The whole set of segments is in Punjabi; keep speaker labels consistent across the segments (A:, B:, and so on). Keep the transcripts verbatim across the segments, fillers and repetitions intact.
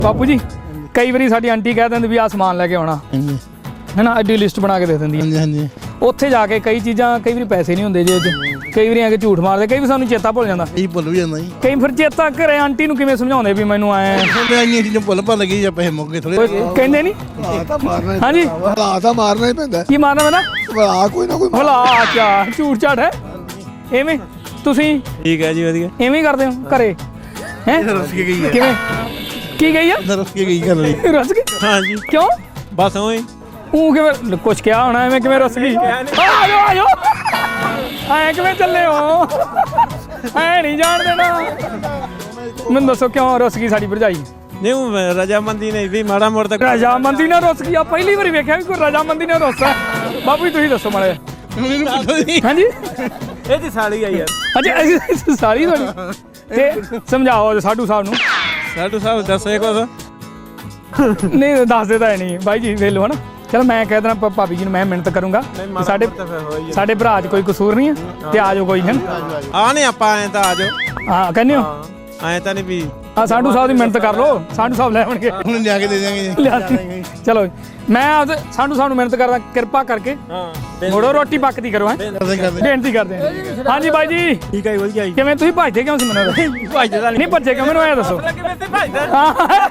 A: ਬਾਪੂ ਜੀ ਕਈ ਵਾਰੀ ਸਾਡੀ ਆਂਟੀ ਕਹਿ ਦਿੰਦੀ ਵੀ ਆ ਸਮਾਨ ਲੈ ਕੇ ਆਉਣਾ
B: ਹਾਂਜੀ
A: ਹੈ ਨਾ, ਐਡੀ ਲਿਸਟ ਬਣਾ ਕੇ ਦੇ ਦਿੰਦੀ
B: ਹਾਂਜੀ ਹਾਂਜੀ
A: ਉੱਥੇ ਜਾ ਕੇ ਕਈ ਚੀਜ਼ਾਂ ਕਈ ਵਾਰੀ ਪੈਸੇ ਨਹੀਂ ਹੁੰਦੇ ਜੇਬ 'ਚ, ਕਈ ਵਾਰੀ ਆ ਕੇ ਝੂਠ ਮਾਰਦੇ, ਕਈ ਵਾਰੀ ਸਾਨੂੰ ਚੇਤਾ ਭੁੱਲ ਜਾਂਦਾ,
B: ਇਹ ਭੁੱਲ ਵੀ ਜਾਂਦਾ ਜੀ।
A: ਕਈ ਫਿਰ ਚੇਤਾ ਘਰੇ ਆਂਟੀ ਨੂੰ ਕਿਵੇਂ ਸਮਝਾਉਂਦੇ ਵੀ ਮੈਨੂੰ ਆਏ
B: ਮੈਂ ਇੰਨੀਆਂ ਚੀਜ਼ਾਂ ਭੁੱਲ ਭੱਲ ਗਈ ਜਾਂ ਪੈਸੇ ਮੁੱਕ ਗਏ ਥੋੜੇ।
A: ਕਹਿੰਦੇ ਨਹੀਂ
B: ਤਾਂ ਮਾਰਨਾ
A: ਹਾਂਜੀ
B: ਭਲਾ ਤਾਂ ਮਾਰਨਾ ਹੀ ਪੈਂਦਾ
A: ਕੀ ਮਾਰਨਾ ਮੈਂ ਨਾ
B: ਭਲਾ ਕੋਈ ਨਾ ਕੋਈ
A: ਭਲਾ ਚਾ ਝੂਠ ਝਾੜ ਹੈ ਐਵੇਂ ਤੁਸੀਂ
C: ਠੀਕ ਹੈ ਜੀ ਵਧੀਆ।
A: ਐਵੇਂ ਹੀ ਕਰਦੇ ਹੋ ਘਰੇ ਹੈ
B: ਰਸ ਕੇ ਗਈ ਹੈ
A: ਕਿਵੇਂ ਕੀ ਗਈ ਆ
B: ਰਸ ਕੇ ਗਈ ਕਰ ਲਈ
A: ਰਸ ਗਈ
C: ਹਾਂਜੀ
A: ਕਿਉਂ
C: ਬਸ ਓਏ
A: ਉਹ ਕਿਵੇਂ ਕੁਛ ਕਿਹਾ ਹੋਣਾ ਐਵੇਂ ਕਿਵੇਂ ਰਸ ਗਈ ਆ ਜਾਓ ਆ ਜਾਓ ਐ ਕਿਵੇਂ ਚੱਲੇ ਹੋ ਐ ਨਹੀਂ ਜਾਣ ਦੇਣਾ ਮੈਨੂੰ ਦੱਸੋ ਕਿਉਂ ਰਸ ਗਈ ਸਾਡੀ ਭਰਜਾਈ
C: ਨਹੀਂ ਉਹ ਰਜਾਮੰਦੀ ਨਹੀਂ ਵੀ ਮਾੜਾ ਮੋੜ ਤੱਕ
A: ਰਜਾਮੰਦੀ ਨਾਲ ਰੁੱਸ ਗਈ ਆ ਪਹਿਲੀ ਵਾਰੀ ਵੇਖਿਆ ਵੀ ਕੋਈ ਰਜਾਮੰਦੀ ਨਾਲ ਰੁੱਸਦਾ ਬਾਪੂ ਜੀ ਤੁਸੀਂ ਦੱਸੋ ਮਾੜਾ
B: ਮੈਨੂੰ ਪੁੱਛੋ ਜੀ
A: ਹਾਂਜੀ
C: ਇਹ ਜੀ ਸਾਲੀ ਆ ਯਾਰ।
A: ਅੱਛਾ ਅਸੀਂ ਸਾਰੀ ਤੁਹਾਡੀ ਤੇ ਸਮਝਾਓ ਸਾਡੂ ਸਾਹਿਬ ਨੂੰ
C: ਸਾਡੂ ਸਾਹਿਬ ਦੱਸੇ ਕੁਛ
A: ਨਹੀਂ ਦੱਸਦੇ ਤਾਂ ਨਹੀਂ ਬਾਈ ਜੀ ਵੇਖ ਲਓ ਹਨਾ ਚਲ ਮੈਂ ਕਹਿ ਦੇਣਾ ਭਾਬੀ ਜੀ ਨੂੰ ਮੈਂ ਮਿਹਨਤ ਕਰੂੰਗਾ ਸਾਡੇ ਸਾਡੇ ਭਰਾ 'ਚ ਕੋਈ ਕਸੂਰ ਨਹੀਂ ਹੈ ਤੇ ਆ ਜਾਓ ਕੋਈ ਹੈ
C: ਆ ਨਹੀਂ ਆਪਾਂ ਐਂ ਤਾਂ ਆ ਜਾਓ
A: ਹਾਂ ਕਹਿੰਦੇ ਹੋ
C: ਐਂ ਤਾਂ ਨਹੀਂ ਵੀ
A: ਆ ਸਾਡੂ ਸਾਹਿਬ ਦੀ ਮਿਹਨਤ ਕਰ ਲਓ ਸਾਡੂ ਸਾਹਿਬ ਲੈ ਆਉਣਗੇ
B: ਹੁਣ ਲਿਆ ਕੇ ਦੇ ਦਿਆਂਗੇ
A: ਲਿਆ ਚਲੋ ਮੈਂ ਆਪਦੇ ਸਾਡੂ ਸਾਹਿਬ ਨੂੰ ਮਿਹਨਤ ਕਰਦਾ ਕਿਰਪਾ ਕਰਕੇ
C: ਹਾਂ
A: ਮੋੜੋ ਰੋਟੀ ਪੱਕਦੀ ਕਰੋ ਹੈ
B: ਕਰਦੇ ਕਰਦੇ
A: ਬੇਨਤੀ ਕਰਦੇ ਹਾਂ ਹਾਂਜੀ ਬਾਈ ਜੀ
C: ਠੀਕ ਹੈ ਵਧੀਆ ਜੀ।
A: ਕਿਵੇਂ ਤੁਸੀਂ ਭੱਜਦੇ ਕਿਉਂ ਸੀ ਮੈਨੂੰ
C: ਭੱਜਦਾ
A: ਨਹੀਂ ਭੱਜੇ ਕਿਉਂ ਮੈਨੂੰ ਐ ਦੱਸੋ
C: ਕਿਵੇਂ ਤੇ ਭੱਜਦਾ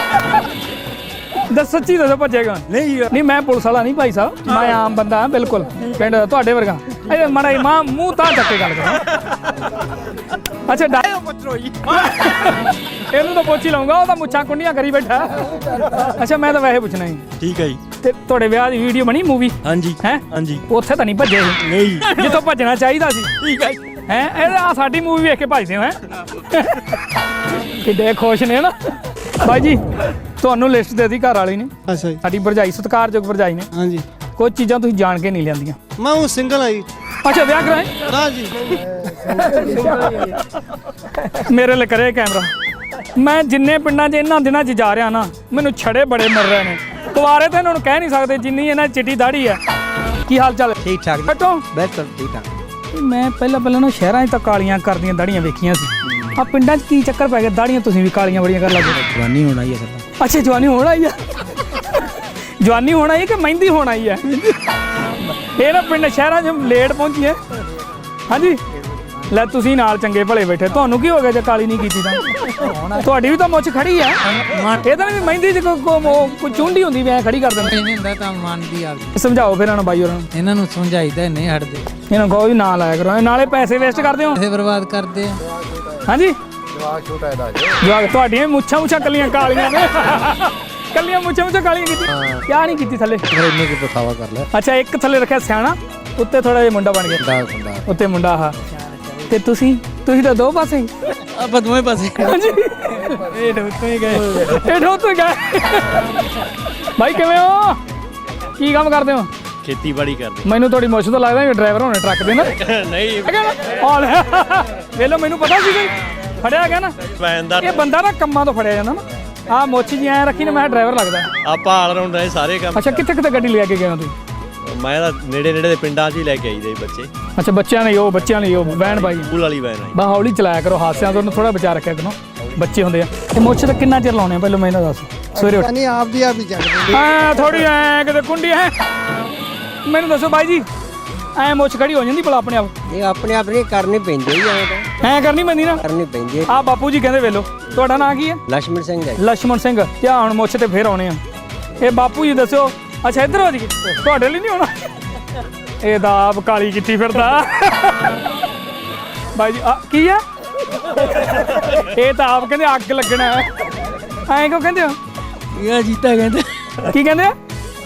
A: ਦੱਸ ਸੱਚੀ ਦੱਸੋ ਭੱਜੇਗਾ
C: ਨਹੀਂ
A: ਨਹੀਂ ਮੈਂ ਪੁਲਿਸ ਵਾਲਾ ਨਹੀਂ ਭਾਈ ਸਾਹਿਬ ਮੈਂ ਆਮ ਬੰਦਾ ਹਾਂ ਬਿਲਕੁਲ ਪਿੰਡ ਤੁਹਾਡੇ ਵਰਗਾ ਇਹ ਮਾੜਾ ਮਾਂ ਮੂੰਹ ਤਾਂ ਚੱਕ ਕੇ ਗੱਲ ਕਰੋ ਅੱਛਾ ਡਾ ਇਹਨੂੰ ਤਾਂ ਪੁੱਛ ਹੀ ਲਊਂਗਾ ਉਹ ਤਾਂ ਮੁੱਛਾਂ ਕੁੰਡੀਆਂ ਕਰੀ ਬੈਠਾ ਅੱਛਾ ਮੈਂ ਤਾਂ ਵੈਸੇ ਪੁੱਛਣਾ ਸੀ
C: ਠੀਕ ਹੈ ਜੀ।
A: ਤੇ ਤੁਹਾਡੇ ਵਿਆਹ ਦੀ ਵੀਡੀਓ ਬਣੀ ਮੂਵੀ
C: ਹਾਂਜੀ
A: ਹੈ
C: ਹਾਂਜੀ
A: ਉੱਥੇ ਤਾਂ ਨਹੀਂ ਭੱਜੇ
C: ਨਹੀਂ
A: ਜਿੱਥੋਂ ਭੱਜਣਾ ਚਾਹੀਦਾ ਸੀ
C: ਠੀਕ ਹੈ
A: ਹੈ ਇਹ ਆ ਸਾਡੀ ਮੂਵੀ ਵੇਖ ਕੇ ਭੱਜਦੇ ਹੋ ਹੈ ਕਿੱਡੇ ਖੁਸ਼ ਨੇ ਨਾ ਬਾਈ ਜੀ ਤੁਹਾਨੂੰ ਲਿਸਟ ਦੇ ਦਿੱਤੀ ਘਰ ਵਾਲੀ ਨੇ
B: ਅੱਛਾ ਜੀ
A: ਸਾਡੀ ਭਰਜਾਈ ਸਤਿਕਾਰਯੋਗ ਭਰਜਾਈ ਨੇ
B: ਹਾਂਜੀ
A: ਕੁਝ ਚੀਜ਼ਾਂ ਤੁਸੀਂ ਜਾਣ ਕੇ ਨਹੀਂ ਲਿਆਂਦੀਆਂ
B: ਮੈਂ ਉਹ ਸਿੰਗਲ ਆਈ
A: ਅੱਛਾ ਵਿਆਹ ਕਰਾਏ
B: ਨਾ ਜੀ
A: ਮੇਰੇ ਲਈ ਕਰੇ ਕੈਮਰਾ ਮੈਂ ਜਿੰਨੇ ਪਿੰਡਾਂ 'ਚ ਇਹਨਾਂ ਦਿਨਾਂ 'ਚ ਜਾ ਰਿਹਾ ਨਾ ਮੈਨੂੰ ਛੜੇ ਬੜੇ ਮਿਲ ਰਹੇ ਨੇ ਕੁਆਰੇ ਤਾਂ ਇਹਨਾਂ ਨੂੰ ਕਹਿ ਨਹੀਂ ਸਕਦੇ ਜਿੰਨੀ ਇਹਨਾਂ ਦੀ ਚਿੱਟੀ ਦਾੜੀ ਹੈ ਕੀ ਹਾਲ ਚਾਲ
C: ਠੀਕ ਠਾਕ
A: ਬੈਠੋ
C: ਬਿਲਕੁਲ ਠੀਕ ਠਾਕ।
A: ਮੈਂ ਪਹਿਲਾਂ ਪਹਿਲਾਂ ਨਾ ਸ਼ਹਿਰਾਂ 'ਚ ਤਾਂ ਕਾਲੀਆਂ ਕਰਦੀਆਂ ਦਾੜੀਆਂ ਵੇਖੀਆਂ ਸੀ ਆ ਪਿੰਡਾਂ 'ਚ ਕੀ ਚੱਕਰ ਪੈ ਗਿਆ ਦਾੜੀਆਂ ਤੁਸੀਂ ਵੀ ਕਾਲੀਆਂ ਬੜੀਆਂ ਕਰ ਲੱਗੇ
C: ਜਵਾਨੀ ਹੋਣਾ ਹੀ ਹੈ ਸਰ।
A: ਅੱਛਾ ਜਵਾਨੀ ਹੋਣ ਆਈ ਆ ਜਵਾਨੀ ਹੋਣ ਆਈ ਕਿ ਮਹਿੰਦੀ ਹੋਣ ਆਈ ਆ ਇਹ ਨਾ ਪਿੰਡ ਸ਼ਹਿਰਾਂ 'ਚ ਲੇਟ ਪਹੁੰਚੀ ਹੈ ਹਾਂਜੀ ਲੈ ਤੁਸੀਂ ਨਾਲ ਚੰਗੇ ਭਲੇ ਬੈਠੇ ਤੁਹਾਨੂੰ ਕੀ ਹੋ ਗਿਆ ਜੇ ਕਾਲੀ ਨਹੀਂ ਕੀਤੀ ਤਾਂ ਤੁਹਾਡੀ ਵੀ ਤਾਂ ਮੁੱਛ ਖੜੀ ਆ ਇਹ ਤਾਂ ਨਹੀਂ ਮਹਿੰਦੀ 'ਚ ਕੋਈ ਚੁੰਡੀ ਹੁੰਦੀ ਵੀ ਐ ਖੜੀ ਕਰ ਦਿੰਦੇ
D: ਨਹੀਂ ਹੁੰਦਾ ਤਾਂ ਮੰਨਦੀ ਆ
A: ਸਮਝਾਓ ਫਿਰ ਇਹਨਾਂ ਬਾਈ ਹੋਰਾਂ ਨੂੰ
D: ਇਹਨਾਂ ਨੂੰ ਸਮਝਾਈਦਾ ਨਹੀਂ ਹਟਦੇ
A: ਇਹਨਾਂ ਕਹੋ ਵੀ ਨਾ ਲਾਇਆ ਕਰੋ ਨਾਲੇ ਪੈਸੇ ਵੇਸਟ ਕਰਦੇ ਹੋ
D: ਪੈਸੇ ਬਰਬਾਦ ਕਰਦੇ ਆ
A: ਹਾਂਜੀ ਜਵਾਕ ਛੋਟਾ ਇਹਦਾ ਜਵਾਕ ਤੁਹਾਡੀਆਂ ਮੁੱਛਾਂ ਮੁੱਛਾਂ ਕੱਲੀਆਂ ਕਾਲੀਆਂ ਨੇ ਕੱਲੀਆਂ ਮੁੱਛਾਂ ਮੁੱਛਾਂ ਕਾਲੀਆਂ ਕੀਤੀ ਕਿਆ ਨਹੀਂ ਕੀਤੀ ਥੱਲੇ
C: ਇੰਨੇ ਕੋ ਪਖਾਵਾ ਕਰ ਲੈ।
A: ਅੱਛਾ ਇੱਕ ਥੱਲੇ ਰੱਖਿਆ ਸਿਆਣਾ ਉੱਤੇ ਥੋੜਾ ਜਿਹਾ ਮੁੰਡਾ ਬਣ ਗਿਆ ਉੱਤੇ ਮੁੰਡਾ ਆ ਤੇ ਤੁਸੀਂ ਤੁਸੀਂ ਤਾਂ ਦੋ ਪਾਸੇ
D: ਆਪਾਂ ਦੋਵੇਂ ਪਾਸੇ
A: ਹਾਂਜੀ ਇਹ ਢੋਤੋਂ ਹੀ ਗਏ ਇਹ ਢੋਤੋਂ ਹੀ ਗਏ ਭਾਈ ਕਿਵੇਂ ਹੋ ਕੀ ਕੰਮ ਕਰਦੇ ਹੋ
C: ਖੇਤੀਬਾੜੀ ਕਰਦੇ
A: ਮੈਨੂੰ ਤੁਹਾਡੀ ਮੁੱਛ ਤੋਂ ਲੱਗਦਾ ਕਿ ਡਰਾਈਵਰ ਹੋਣੇ ਟਰੱਕ ਦੇ ਨਾ
C: ਨਹੀਂ
A: ਆ ਲੈ ਵੇਲੋ ਮੈਨੂੰ ਪਤਾ ਸੀ ਕਿ ਫੜਿਆ ਗਿਆ ਨਾ
C: ਵੈਨਦਾਰ
A: ਇਹ ਬੰਦਾ ਨਾ ਕੰਮਾਂ ਤੋਂ ਫੜਿਆ ਜਾਂਦਾ ਨਾ ਆਹ ਮੁੱਛ ਜੀ ਐ ਰੱਖੀ ਨਾ ਮੈਂ ਡਰਾਈਵਰ ਲੱਗਦਾ
C: ਆਪਾਂ ਆਲ ਰਾਉਂਡ ਰਹੇ ਸਾਰੇ ਕੰਮ।
A: ਅੱਛਾ ਕਿੱਥੇ ਕਿੱਥੇ ਗੱਡੀ ਲੈ ਕੇ ਗਏ ਹੋ ਤੁਸੀਂ
C: ਮੈਂ ਤਾਂ ਨੇੜੇ ਨੇੜੇ ਦੇ ਪਿੰਡਾਂ 'ਚ ਹੀ ਲੈ ਕੇ ਆਈਦੇ ਸੀ ਬੱਚੇ।
A: ਅੱਛਾ ਬੱਚਿਆਂ ਲਈ ਉਹ ਬੱਚਿਆਂ ਲਈ ਉਹ ਵੈਨ ਬਾਈ
C: ਸਕੂਲ ਵਾਲੀ ਵੈਨ ਆਈ।
A: ਬਾ ਹੌਲੀ ਚਲਾਇਆ ਕਰੋ ਹਾਦਸਿਆਂ ਤੋਂ ਥੋੜਾ ਬਚਾ ਰੱਖਿਆ ਕਰੋ ਬੱਚੇ ਹੁੰਦੇ ਆ ਤੇ ਮੁੱਛ ਤਾਂ ਕਿੰਨਾ ਚਿਰ ਲਾਉਣੇ ਆ ਪਹਿਲਾਂ ਮੈਨੂੰ ਦੱਸ ਸਵੇਰੇ ਉੱਠ
B: ਨਹੀਂ ਆਪ ਦੀ ਆਪ ਹੀ ਚੱਕਦੇ
A: ਹਾਂ ਥੋੜੀ ਐ ਕਿਤੇ ਕੁੰਡੀ ਐ ਮੈਨੂੰ ਦੱਸੋ ਬਾਈ ਜੀ ਐ ਮੁੱਛ ਖੜੀ ਹੋ ਜਾਂਦੀ ਭਲਾ ਆਪਣੇ ਆਪ
E: ਇਹ ਆਪਣੇ ਆਪ ਨਹੀਂ ਕਰਨੀ ਪੈਂਦੀ ਹੈ
A: ਐ ਕਰਨੀ ਪੈਂਦੀ ਨਾ
E: ਕਰਨੀ ਪੈਂਦੀ ਹੈ।
A: ਆ ਬਾਪੂ ਜੀ ਕਹਿੰਦੇ ਵੇਲੋ ਤੁਹਾਡਾ ਨਾਂ ਕੀ ਹੈ
E: ਲక్ష్మణ ਸਿੰਘ ਹੈ।
A: ਲక్ష్మణ ਸਿੰਘ ਧਿਆਨ ਮੁੱਛ ਤੇ ਫੇਰ ਆਉਣੇ ਆ ਇਹ ਬਾਪੂ ਜੀ ਦੱਸਿਓ ਅੱਛਾ ਇੱਧਰ ਹੋ ਜੀ ਤੁਹਾਡੇ ਲਈ ਨਹੀਂ ਆਉਣਾ ਇਹ ਤਾਂ ਆਪ ਕਾਲੀ ਕੀਤੀ ਫਿਰਦਾ ਬਾਈ ਜੀ ਆ ਕੀ ਆ ਇਹ ਤਾਂ ਆਪ ਕਹਿੰਦੇ ਅੱਗ ਲੱਗਣਾ ਐਂ ਕਿਉਂ ਕਹਿੰਦੇ ਹੋ
D: ਇਹ ਜੀਤਾ ਕਹਿੰਦੇ
A: ਕੀ ਕਹਿੰਦੇ ਆ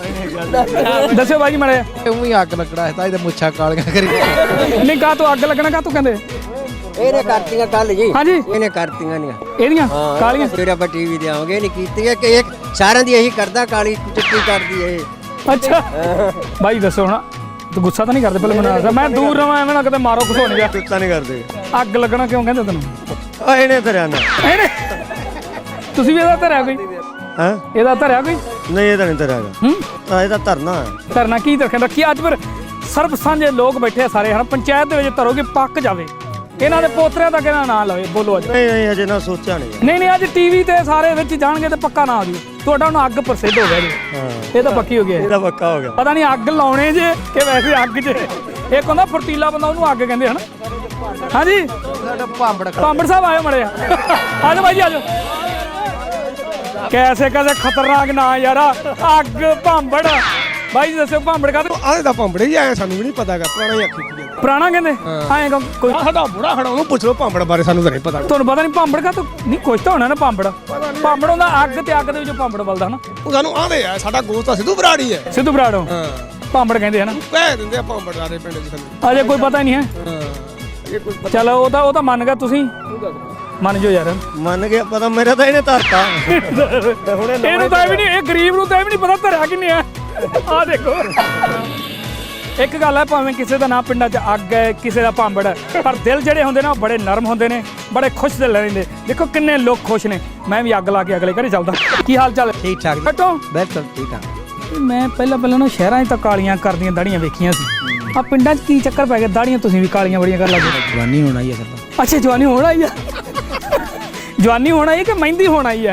A: ਦੱਸਿਓ ਬਾਈ ਜੀ ਮਾੜੇ
B: ਉਹੀ ਅੱਗ ਲੱਗਣਾ ਹੈ ਤਾਂ ਇਹਦੇ ਮੁੱਛਾਂ ਕਾਲੀਆਂ ਕਰੀ
A: ਨਹੀਂ ਕਾ ਤੂੰ ਅੱਗ ਲੱਗਣਾ ਕਾ ਤੂੰ ਕਹਿੰਦੇ
E: ਇਹਨੇ ਕਰਤੀਆਂ ਕੱਲ ਜੀ
A: ਹਾਂਜੀ
E: ਇਹਨੇ ਕਰਤੀਆਂ ਨਹੀਂ
A: ਇਹਦੀਆਂ ਕਾਲੀਆਂ
E: ਫਿਰ ਆਪਾਂ ਟੀਵੀ ਤੇ ਆਵਾਂਗੇ ਨਹੀਂ ਕੀਤੀਆਂ ਕਿ ਇੱਕ ਸਾਰਿਆਂ ਦੀ ਇਹੀ ਕਰਦਾ ਕਾਲੀ ਚਿੱਟੀ ਕਰਦੀ ਹੈ ਇਹ।
A: ਅੱਛਾ ਬਾਈ ਦੱਸੋ ਹੁਣ ਤੂੰ ਗੁੱਸਾ ਤਾਂ ਨਹੀਂ ਕਰਦੇ ਪਹਿਲਾਂ ਮੈਨੂੰ ਦੱਸ ਮੈਂ ਦੂਰ ਰਵਾਂ ਐਵੇਂ ਨਾ ਕਿਤੇ ਮਾਰੋ ਕੁਛ ਹੋ ਨਹੀਂ ਗਿਆ
C: ਕੁੱਤਾ ਨਹੀਂ ਕਰਦੇ
A: ਅੱਗ ਲੱਗਣਾ ਕਿਉਂ ਕਹਿੰਦੇ ਤੈਨੂੰ
C: ਆ ਇਹਨੇ ਧਰਿਆ ਨਾ
A: ਇਹਨੇ ਤੁਸੀਂ ਵੀ ਇਹਦਾ ਧਰਿਆ ਕੋਈ
C: ਹਾਂ
A: ਇਹਦਾ ਧਰਿਆ ਕੋਈ
C: ਨਹੀਂ ਇਹ ਤਾਂ ਨਹੀਂ ਧਰਿਆ
A: ਹੂੰ
C: ਆ ਇਹਦਾ ਧਰਨਾ ਹੈ
A: ਧਰਨਾ ਕੀ ਰੱਖਿਆ ਰੱਖੀ ਅੱਜ ਫਿਰ ਸਰਬ ਸਾਂਝੇ ਲੋਕ ਬੈਠੇ ਆ ਸਾਰੇ ਹਨ ਪੰਚਾਇਤ ਦੇ ਵਿੱਚ ਧਰੋਗੇ ਪੱਕ ਜਾਵੇ ਇਹਨਾਂ ਦੇ ਪੋਤਰਿਆਂ ਦਾ ਕਿਹੜਾ ਨਾਂ ਲਵੇ ਬੋਲੋ ਅੱਜ।
C: ਨਹੀਂ ਨਹੀਂ ਅਜੇ ਨਾ ਸੋਚਿਆ ਨਹੀਂ
A: ਨਹੀਂ ਨਹੀਂ ਅੱਜ ਟੀਵੀ ਤੇ ਸਾਰੇ ਵਿੱਚ ਜਾਣਗੇ ਤੇ ਪੱਕਾ ਨਾ ਆ ਜੂ ਤੁਹਾਡਾ ਹੁਣ ਅੱਗ ਪ੍ਰਸਿੱਧ ਹੋ ਗਿਆ ਜੀ।
C: ਹਾਂ
A: ਇਹ ਤਾਂ ਪੱਕੀ ਹੋ ਗਿਆ
C: ਇਹਦਾ ਪੱਕਾ ਹੋ ਗਿਆ।
A: ਪਤਾ ਨਹੀਂ ਅੱਗ ਲਾਉਣੇ ਜੇ ਕਿ ਵੈਸੇ ਅੱਗ 'ਚ ਇੱਕ ਹੁੰਦਾ ਫੁਰਤੀਲਾ ਬੰਦਾ ਉਹਨੂੰ ਅੱਗ ਕਹਿੰਦੇ ਹਨ। ਹਾਂਜੀ
B: ਸਾਡਾ ਭਾਂਬੜ
A: ਪਾਂਬੜ ਸਾਹਿਬ ਆਇਓ ਮੜਿਆ ਆਜੋ ਬਾਈ ਜੀ ਆਜੋ। ਕੈਸੇ ਕੈਸੇ ਖਤਰਨਾਕ ਨਾਂ ਯਾਰ ਅੱਗ ਭਾਂਬੜ ਬਾਈ ਜੀ ਦੱਸੋ ਭਾਂਬੜ ਕਾ
B: ਆਹ ਦਾ ਭਾਂਬੜ ਹੀ ਆਇਆ ਸਾਨੂੰ ਵੀ ਨਹੀਂ ਪਤਾਗਾ ਪੁਰਾਣਾ ਹੀ ਆਖੀ ਕੀ
A: ਪੁਰਾਣਾ ਕਹਿੰਦੇ ਆਏ ਕੋਈ
B: ਸਾਡਾ ਬੁੜਾ ਖੜਾ ਉਹਨੂੰ ਪੁੱਛ ਲਓ ਭਾਂਬੜ ਬਾਰੇ ਸਾਨੂੰ ਤਾਂ ਨਹੀਂ ਪਤਾ।
A: ਤੁਹਾਨੂੰ ਪਤਾ ਨਹੀਂ ਭਾਂਬੜ ਕਾ ਨਹੀਂ ਕੁਛ ਤਾਂ ਹੋਣਾ ਨਾ ਭਾਂਬੜ ਭਾਂਬੜ ਹੁੰਦਾ ਅੱਗ ਤੇ ਅੱਗ ਦੇ ਵਿੱਚੋਂ ਭਾਂਬੜ ਬਲਦਾ ਹਨਾ।
B: ਉਹ ਸਾਨੂੰ ਆਂਦੇ ਆ ਸਾਡਾ ਗੋਸਤ ਤਾਂ ਸਿੱਧੂ ਬਰਾੜੀ ਹੈ।
A: ਸਿੱਧੂ ਬਰਾੜੋ
B: ਹਾਂ
A: ਭਾਂਬੜ ਕਹਿੰਦੇ ਹਨਾ।
B: ਕਹਿ ਦਿੰਦੇ ਆ ਭਾਂਬੜ ਸਾਰੇ ਪਿੰਡ 'ਚ ਸਾਨੂੰ।
A: ਅਜੇ ਕੋਈ ਪਤਾ ਨਹੀਂ ਹੈ।
B: ਹਾਂ ਇਹ ਕੋਈ
A: ਚਲੋ ਉਹ ਤਾਂ ਉਹ ਤਾਂ ਮੰਨ ਗਿਆ ਤੁਸੀਂ ਮੰਨ ਜੋ ਯਾਰ
C: ਮੰਨ ਗਿਆ ਪਤਾ ਮੇਰਾ ਤਾਂ ਇਹਨੇ ਧਰਤਾ
A: ਇਹਨੂੰ ਤਾਂ ਇਹ ਵੀ ਨਹੀਂ ਇਹ ਗਰੀਬ ਨੂੰ ਤਾਂ ਇਹ ਵੀ ਨਹੀਂ ਪਤਾ ਧਰਿਆ ਕਿੰਨੇ ਆ ਆ ਦੇਖੋ। ਇੱਕ ਗੱਲ ਹੈ ਭਾਵੇਂ ਕਿਸੇ ਦਾ ਨਾਂ ਪਿੰਡਾਂ 'ਚ ਅੱਗ ਹੈ ਕਿਸੇ ਦਾ ਭਾਂਬੜ ਹੈ ਪਰ ਦਿਲ ਜਿਹੜੇ ਹੁੰਦੇ ਨੇ ਉਹ ਬੜੇ ਨਰਮ ਹੁੰਦੇ ਨੇ ਬੜੇ ਖੁਸ਼ ਦਿਲ ਰਹਿੰਦੇ। ਦੇਖੋ ਕਿੰਨੇ ਲੋਕ ਖੁਸ਼ ਨੇ। ਮੈਂ ਵੀ ਅੱਗ ਲਾ ਕੇ ਅਗਲੇ ਘਰੇ ਚੱਲਦਾ। ਕੀ ਹਾਲ ਚਾਲ
E: ਠੀਕ ਠਾਕ ਜੀ
A: ਬੈਠੋ।
E: ਬਿਲਕੁਲ ਠੀਕ ਠਾਕ।
A: ਮੈਂ ਪਹਿਲਾਂ ਪਹਿਲਾਂ ਨਾ ਸ਼ਹਿਰਾਂ 'ਚ ਤਾਂ ਕਾਲੀਆਂ ਕਰਦੀਆਂ ਦਾੜੀਆਂ ਵੇਖੀਆਂ ਸੀ। ਆ ਪਿੰਡਾਂ 'ਚ ਕੀ ਚੱਕਰ ਪੈ ਗਿਆ ਦਾੜੀਆਂ ਤੁਸੀਂ ਵੀ ਕਾਲੀਆਂ ਬੜੀਆਂ ਕਰ ਲੱਗੇ।
E: ਜਵਾਨੀ ਹੋਣਾ ਹੀ ਹੈ ਸਰ।
A: ਅੱਛਾ ਜਵਾਨੀ ਹੋਣ ਆਈ ਆ ਜਵਾਨੀ ਹੋਣ ਆਈ ਹੈ ਕਿ ਮਹਿੰਦੀ ਹੋਣ ਆਈ ਹੈ।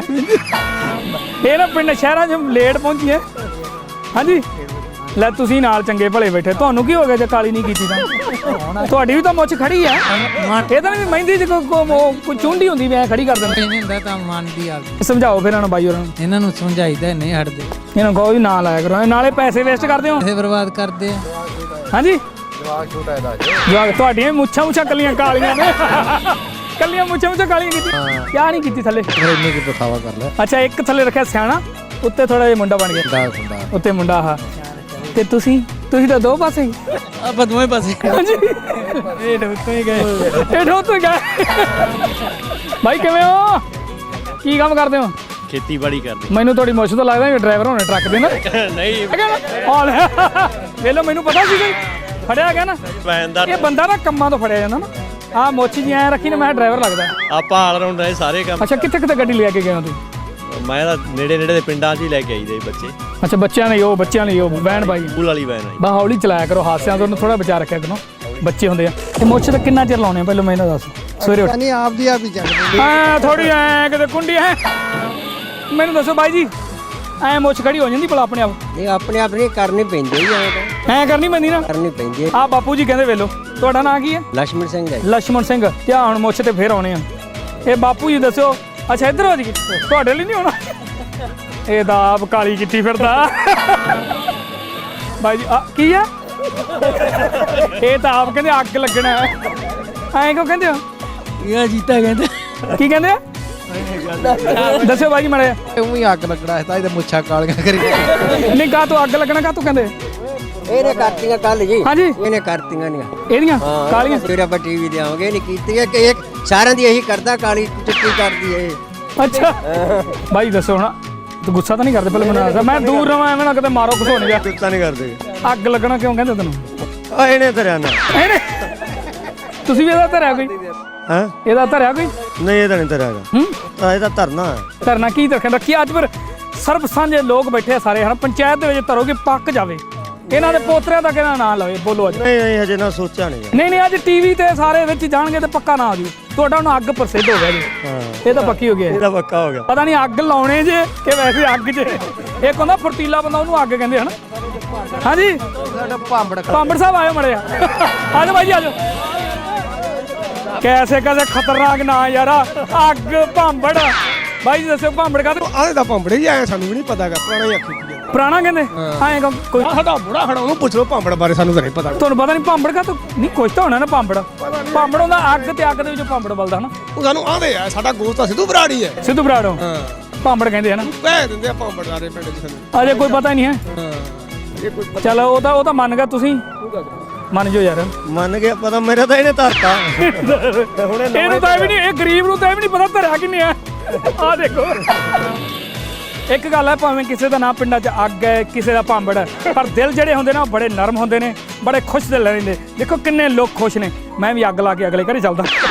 A: ਇਹ ਨਾ ਪਿੰਡ ਸ਼ਹਿਰਾਂ 'ਚ ਲੇਟ ਪਹੁੰਚੀ ਹੈ। ਹਾਂਜੀ ਲੈ ਤੁਸੀਂ ਨਾਲ ਚੰਗੇ ਭਲੇ ਬੈਠੇ ਤੁਹਾਨੂੰ ਕੀ ਹੋ ਗਿਆ ਜੇ ਕਾਲੀ ਨਹੀਂ ਕੀਤੀ ਤਾਂ ਤੁਹਾਡੀ ਵੀ ਤਾਂ ਮੁੱਛ ਖੜੀ ਆ। ਇਹ ਤਾਂ ਨਹੀਂ ਮਹਿੰਦੀ 'ਚ ਕੋਈ ਚੁੰਡੀ ਹੁੰਦੀ ਵੀ ਐ ਖੜੀ ਕਰ ਦਿੰਦੇ।
D: ਨਹੀਂ ਹੁੰਦਾ ਤਾਂ ਮਨ ਦੀ ਆ
A: ਸਮਝਾਓ ਫਿਰ ਇਹਨਾਂ ਨੂੰ ਬਾਈ ਹੋਰਾਂ ਨੂੰ।
D: ਇਹਨਾਂ ਨੂੰ ਸਮਝਾਈਦਾ ਨਹੀਂ ਹਟਦੇ
A: ਇਹਨਾਂ ਨੂੰ ਕਹੋ ਵੀ ਨਾ ਲਾਇਆ ਕਰੋ ਨਾਲੇ ਪੈਸੇ ਵੇਸਟ ਕਰਦੇ ਹੋ।
D: ਪੈਸੇ ਬਰਬਾਦ ਕਰਦੇ ਆ।
A: ਹਾਂਜੀ
B: ਜਵਾਕ ਛੋਟਾ ਇਹਦਾ
A: ਜਵਾਕ ਤੁਹਾਡੀਆਂ ਵੀ ਮੁੱਛਾਂ ਮੁੱਛਾਂ ਕੱਲੀਆਂ ਕਾਲੀਆਂ ਨੇ ਕੱਲੀਆਂ ਮੁੱਛਾਂ ਮੁੱਛਾਂ ਕਾਲੀਆਂ ਕੀਤੀ ਕਿਆ ਨਹੀਂ ਕੀਤੀ ਥੱਲੇ।
B: ਫਿਰ ਇੰਨੇ ਕੀ ਦਿਖਾਵਾ ਕਰ ਲੈ।
A: ਅੱਛਾ ਇੱਕ ਥੱਲੇ ਰੱਖਿਆ ਸਿਆਣਾ ਉੱਤੇ ਥੋੜਾ ਜਿਹਾ ਮੁੰਡਾ ਬਣ ਗਿਆ
B: ਦਾ ਹੁੰਦਾ
A: ਉੱਤੇ ਮੁੰਡਾ ਆਹ ਤੇ ਤੁਸੀਂ ਤੁਸੀਂ ਤਾਂ ਦੋ ਪਾਸੇ ਹੀ।
D: ਆਪਾਂ ਦੋਵੇਂ ਪਾਸੇ
A: ਹਾਂਜੀ ਇਹ ਢੋਤੋਂ ਹੀ ਗਏ ਇਹ ਢੋਤੋਂ ਹੀ ਗਏ। ਭਾਈ ਕਿਵੇਂ ਹੋ ਕੀ ਕੰਮ ਕਰਦੇ ਹੋ।
C: ਖੇਤੀਬਾੜੀ ਕਰਦੇ
A: ਮੈਨੂੰ ਤੁਹਾਡੀ ਮੁੱਛ ਤੋਂ ਲੱਗਦਾ ਡਰਾਈਵਰ ਹੋਣੇ ਟਰੱਕ ਦੇ ਨਾ।
C: ਨਹੀਂ
A: ਆ ਲੈ ਵੇਖ ਲਓ ਮੈਨੂੰ ਪਤਾ ਸੀ ਕਿ ਫੜਿਆ ਗਿਆ ਨਾ।
C: ਵੈਨ ਦਾ
A: ਇਹ ਬੰਦਾ ਨਾ ਕੰਮਾਂ ਤੋਂ ਫੜਿਆ ਜਾਂਦਾ ਨਾ। ਆਹ ਮੁੱਛ ਜੀ ਐ ਰੱਖੀ ਨਾ ਮੈਂ ਡਰਾਈਵਰ ਲੱਗਦਾ।
C: ਆਪਾਂ ਆਲ ਰਾਉਂਡ ਰਹੇ ਸਾਰੇ ਕੰਮ।
A: ਅੱਛਾ ਕਿੱਥੇ ਕਿੱਥੇ ਗੱਡੀ ਲੈ ਕੇ ਗਏ ਹੋ ਤੁਸੀਂ।
C: ਮੈਂ ਤਾਂ ਨੇੜੇ ਨੇੜੇ ਦੇ ਪਿੰਡਾਂ 'ਚ ਹੀ ਲੈ ਕੇ ਆਈਦੇ ਬੱਚੇ।
A: ਅੱਛਾ ਬੱਚਿਆਂ ਲਈ ਉਹ ਬੱਚਿਆਂ ਲਈ ਉਹ ਵੈਨ ਬਾਈ
C: ਸਕੂਲ ਵਾਲੀ ਵੈਨ ਆਈ।
A: ਬਾ ਹੌਲੀ ਚਲਾਇਆ ਕਰੋ ਹਾਦਸਿਆਂ ਤੋਂ ਥੋੜਾ ਬਚਾ ਰੱਖਿਆ ਕਰੋ ਬੱਚੇ ਹੁੰਦੇ ਆ। ਤੇ ਮੁੱਛ ਤਾਂ ਕਿੰਨਾ ਚਿਰ ਲਾਉਣੇ ਆ ਪਹਿਲਾਂ ਮੈਨੂੰ ਦੱਸ। ਸਵੇਰੇ ਉੱਠ
B: ਨਹੀਂ ਆਪ ਦੀ ਆਪ ਹੀ ਚੱਕਦੇ
A: ਐ ਥੋੜੀ ਐ ਕਿਤੇ ਕੁੰਡੀ ਹੈ ਮੈਨੂੰ ਦੱਸੋ ਬਾਈ ਜੀ ਐ ਮੁੱਛ ਖੜੀ ਹੋ ਜਾਂਦੀ ਭਲਾ ਆਪਣੇ ਆਪ।
E: ਨਹੀਂ ਆਪਣੇ ਆਪ ਨਹੀਂ ਕਰਨੀ ਪੈਂਦੀ ਹੀ ਐਂ ਤਾਂ
A: ਐ ਕਰਨੀ ਪੈਂਦੀ ਨਾ
E: ਕਰਨੀ ਪੈਂਦੀ ਹੈ।
A: ਆ ਬਾਪੂ ਜੀ ਕਹਿੰਦੇ ਵੇਲੋ ਤੁਹਾਡਾ ਨਾਂ ਕੀ ਹੈ।
E: ਲక్ష్మణ ਸਿੰਘ ਹੈ।
A: ਲక్ష్మణ ਸਿੰਘ ਤੇ ਹੁਣ ਮੁੱਛ ਤੇ ਫੇਰ ਆਉਣੇ ਆ। ਇਹ ਬਾਪੂ ਜੀ ਦੱਸਿਓ ਅੱਛਾ ਇੱਧਰ ਹੋ ਜੀ ਤੁਹਾਡੇ ਲਈ ਨਹੀਂ ਹੋਣਾ। ਇਹ ਤਾਂ ਆਪ ਕਾਲੀ ਕੀਤੀ ਫਿਰਦਾ ਬਾਈ ਜੀ ਆ ਕੀ ਆ ਇਹ ਤਾਂ ਆਪ ਕਹਿੰਦੇ ਅੱਗ ਲੱਗਣਾ ਐਂ ਕਿਉਂ ਕਹਿੰਦੇ ਹੋ।
D: ਇਹ ਜੀਤਾ ਕਹਿੰਦੇ
A: ਕੀ ਕਹਿੰਦੇ ਆ ਦੱਸਿਓ ਬਾਈ ਜੀ ਮਾੜਾ
B: ਉਹ ਹੀ ਅੱਗ ਲੱਗਣਾ ਹੈ ਤਾਂ ਇਹਦੇ ਮੁੱਛਾਂ ਕਾਲੀਆਂ ਕਰੀ।
A: ਨਹੀਂ ਕਾ ਤੂੰ ਅੱਗ ਲੱਗਣਾ ਕਾ ਤੂੰ ਕਹਿੰਦੇ
E: ਇਹਨੇ ਕਰਤੀਆਂ ਕੱਲ ਜੀ।
A: ਹਾਂਜੀ
E: ਇਹਨੇ ਕਰਤੀਆਂ ਨਹੀਂ
A: ਇਹਦੀਆਂ
E: ਕਾਲੀਆਂ
A: ਕਾਲੀਆਂ
E: ਫਿਰ ਆਪਾਂ ਟੀਵੀ ਤੇ ਆਵਾਂਗੇ ਨਹੀਂ ਕੀਤੀਆਂ ਕਿ ਇੱਕ ਸਾਰਿਆਂ ਦੀ ਇਹੀ ਕਰਦਾ ਕਾਲੀ ਚਿੱਟੀ ਕਰਦੀ ਹੈ।
A: ਅੱਛਾ ਬਾਈ ਦੱਸੋ ਹੁਣ ਤੂੰ ਗੁੱਸਾ ਤਾਂ ਨਹੀਂ ਕਰਦੇ ਪਹਿਲਾਂ ਮੈਨੂੰ ਦੱਸ। ਮੈਂ ਦੂਰ ਰਵਾਂ ਐਵੇਂ ਨਾ ਕਿਤੇ ਮਾਰੋ ਕੁਛ ਹੋ ਨਹੀਂ ਗਿਆ।
C: ਗੁੱਸਾ ਨਹੀਂ ਕਰਦੇ।
A: ਅੱਗ ਲੱਗਣਾ ਕਿਉਂ ਕਹਿੰਦੇ ਤੈਨੂੰ।
C: ਆ ਇਹਨੇ ਧਰਿਆ ਨਾ।
A: ਇਹਨੇ ਤੁਸੀਂ ਵੀ ਇਹਦਾ ਧਰਿਆ ਕੋਈ
C: ਹਾਂ
A: ਇਹਦਾ ਧਰਿਆ ਕੋਈ
C: ਨਹੀਂ ਇਹਦਾ ਨਹੀਂ ਧਰਿਆਗਾ।
A: ਹੂੰ
C: ਤਾਂ ਇਹਦਾ ਧਰਨਾ ਹੈ।
A: ਧਰਨਾ ਕੀ ਰੱਖਿਆ ਰੱਖੀ ਅੱਜ ਫਿਰ ਸਰਬ ਸਾਂਝੇ ਲੋਕ ਬੈਠੇ ਆ ਸਾਰੇ ਹਨ ਪੰਚਾਇਤ ਦੇ ਵਿੱਚ ਧਰੋ ਕਿ ਪੱਕ ਜਾਵੇ। ਇਹਨਾਂ ਦੇ ਪੋਤਰਿਆਂ ਦਾ ਕਿਹੜਾ ਨਾਂ ਲਵੇ ਬੋਲੋ ਅੱਜ।
C: ਨਹੀਂ ਨਹੀਂ ਅਜੇ ਨਾ ਸੋਚਿਆ ਨਹੀਂ।
A: ਨਹੀਂ ਨਹੀਂ ਅੱਜ ਟੀਵੀ ਤੇ ਸਾਰੇ ਵਿੱਚ ਜਾਣਗੇ ਤੇ ਪੱਕਾ ਨਾ ਆ ਜੂ ਤੁਹਾਡਾ ਹੁਣ ਅੱਗ ਪ੍ਰਸਿੱਧ ਹੋ ਗਿਆ ਜੀ।
C: ਹਾਂ
A: ਇਹ ਤਾਂ ਪੱਕੀ ਹੋ ਗਿਆ
C: ਇਹਦਾ ਪੱਕਾ ਹੋ ਗਿਆ।
A: ਪਤਾ ਨਹੀਂ ਅੱਗ ਲਾਉਣੇ ਜੇ ਕਿ ਵੈਸੇ ਅੱਗ 'ਚ ਇੱਕ ਹੁੰਦਾ ਫੁਰਤੀਲਾ ਬੰਦਾ ਉਹਨੂੰ ਅੱਗ ਕਹਿੰਦੇ ਹਨ। ਹਾਂਜੀ
B: ਸਾਡਾ ਭਾਂਬੜ
A: ਪਾਂਬੜ ਸਾਹਿਬ ਆਇਓ ਮੜਿਆ ਆਜੋ ਬਾਈ ਜੀ ਆਜੋ। ਕੈਸੇ ਕੈਸੇ ਖਤਰਨਾਕ ਨਾਂ ਯਾਰ ਅੱਗ ਭਾਂਬੜ ਬਾਈ ਜੀ ਦੱਸਿਓ ਭਾਂਬੜ ਕਾ
B: ਆਹ ਦਾ ਭਾਂਬੜ ਹੀ ਆਇਆ ਸਾਨੂੰ ਵੀ ਨਹੀਂ ਪਤਾਗਾ ਪੁਰਾਣਾ ਹੀ ਆਖੀ ਕੀ
A: ਪੁਰਾਣਾ ਕਹਿੰਦੇ ਆਏ ਕੋਈ
B: ਸਾਡਾ ਬੁੜਾ ਖੜਾ ਉਹਨੂੰ ਪੁੱਛ ਲਓ ਭਾਂਬੜ ਬਾਰੇ ਸਾਨੂੰ ਤਾਂ ਨਹੀਂ ਪਤਾ।
A: ਤੁਹਾਨੂੰ ਪਤਾ ਨਹੀਂ ਭਾਂਬੜ ਕਾ ਨਹੀਂ ਕੁਛ ਤਾਂ ਹੋਣਾ ਨਾ ਭਾਂਬੜ ਭਾਂਬੜ ਹੁੰਦਾ ਅੱਗ ਤੇ ਅੱਗ ਦੇ ਵਿੱਚੋਂ ਭਾਂਬੜ ਬਲਦਾ ਹਨਾ।
B: ਉਹ ਸਾਨੂੰ ਆਂਦੇ ਆ ਸਾਡਾ ਗੋਸਤ ਤਾਂ ਸਿੱਧੂ ਬਰਾੜੀ ਹੈ।
A: ਸਿੱਧੂ ਬਰਾੜੋ
B: ਹਾਂ
A: ਭਾਂਬੜ ਕਹਿੰਦੇ ਹਨਾ।
B: ਕਹਿ ਦਿੰਦੇ ਆ ਭਾਂਬੜ ਸਾਰੇ ਪਿੰਡ 'ਚ ਸਾਨੂੰ।
A: ਅਜੇ ਕੋਈ ਪਤਾ ਹੀ ਨਹੀਂ ਹੈ।
B: ਹਾਂ ਇਹ ਕੋਈ
A: ਚਲੋ ਉਹ ਤਾਂ ਉਹ ਤਾਂ ਮੰਨ ਗਿਆ ਤੁਸੀਂ ਮੰਨ ਜੋ ਯਾਰ
C: ਮੰਨ ਗਿਆ ਪਤਾ ਮੇਰਾ ਤਾਂ ਇਹਨੇ ਧਰਤਾ
A: ਇਹਨੂੰ ਤਾਂ ਇਹ ਵੀ ਨਹੀਂ ਇਹ ਗਰੀਬ ਨੂੰ ਤਾਂ ਇਹ ਵੀ ਨਹੀਂ ਪਤਾ ਧਰਿਆ ਕਿੰਨੇ ਆ। ਆ ਦੇਖੋ ਇੱਕ ਗੱਲ ਹੈ ਭਾਵੇਂ ਕਿਸੇ ਦਾ ਨਾਂ ਪਿੰਡਾਂ 'ਚ ਅੱਗ ਹੈ ਕਿਸੇ ਦਾ ਭਾਂਬੜ ਹੈ ਪਰ ਦਿਲ ਜਿਹੜੇ ਹੁੰਦੇ ਨੇ ਉਹ ਬੜੇ ਨਰਮ ਹੁੰਦੇ ਨੇ ਬੜੇ ਖੁਸ਼ ਦਿਲ ਰਹਿੰਦੇ। ਦੇਖੋ ਕਿੰਨੇ ਲੋਕ ਖੁਸ਼ ਨੇ। ਮੈਂ ਵੀ ਅੱਗ ਲਾ ਕੇ ਅਗਲੇ ਘਰੇ ਚੱਲਦਾ।